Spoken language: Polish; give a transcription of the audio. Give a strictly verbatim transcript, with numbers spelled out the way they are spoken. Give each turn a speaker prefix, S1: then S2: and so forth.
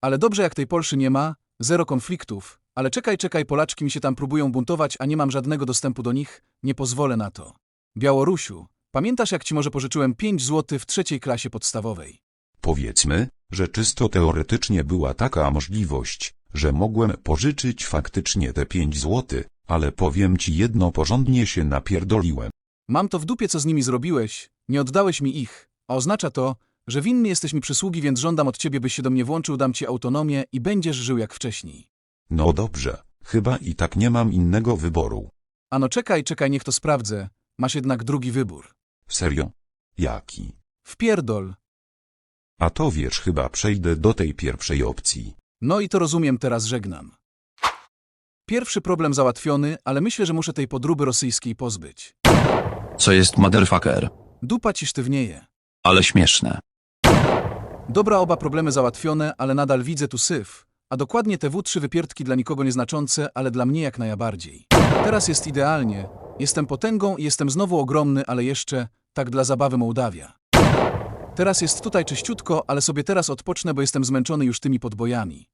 S1: Ale dobrze jak tej Polszy nie ma, zero konfliktów. Ale czekaj, czekaj, Polaczki mi się tam próbują buntować, a nie mam żadnego dostępu do nich, nie pozwolę na to. Białorusiu, pamiętasz jak ci może pożyczyłem pięć złotych w trzeciej klasie podstawowej?
S2: Powiedzmy, że czysto teoretycznie była taka możliwość, że mogłem pożyczyć faktycznie te pięć złotych, ale powiem ci jedno, porządnie się napierdoliłem.
S1: Mam to w dupie, co z nimi zrobiłeś, nie oddałeś mi ich, a oznacza to, że winny jesteś mi przysługi, więc żądam od ciebie, byś się do mnie włączył, dam ci autonomię i będziesz żył jak wcześniej.
S2: No dobrze, chyba i tak nie mam innego wyboru.
S1: Ano czekaj, czekaj, niech to sprawdzę, masz jednak drugi wybór.
S2: Serio? Jaki?
S1: Wpierdol.
S2: A to wiesz, chyba przejdę do tej pierwszej opcji.
S1: No i to rozumiem, teraz żegnam. Pierwszy problem załatwiony, ale myślę, że muszę tej podróby rosyjskiej pozbyć.
S3: Co jest motherfucker?
S1: Dupa ci sztywnieje.
S3: Ale śmieszne.
S1: Dobra, oba problemy załatwione, ale nadal widzę tu syf, a dokładnie te W trzy wypierdki dla nikogo nieznaczące, ale dla mnie jak najbardziej. Teraz jest idealnie, jestem potęgą i jestem znowu ogromny, ale jeszcze, tak dla zabawy Mołdawia. Teraz jest tutaj czyściutko, ale sobie teraz odpocznę, bo jestem zmęczony już tymi podbojami.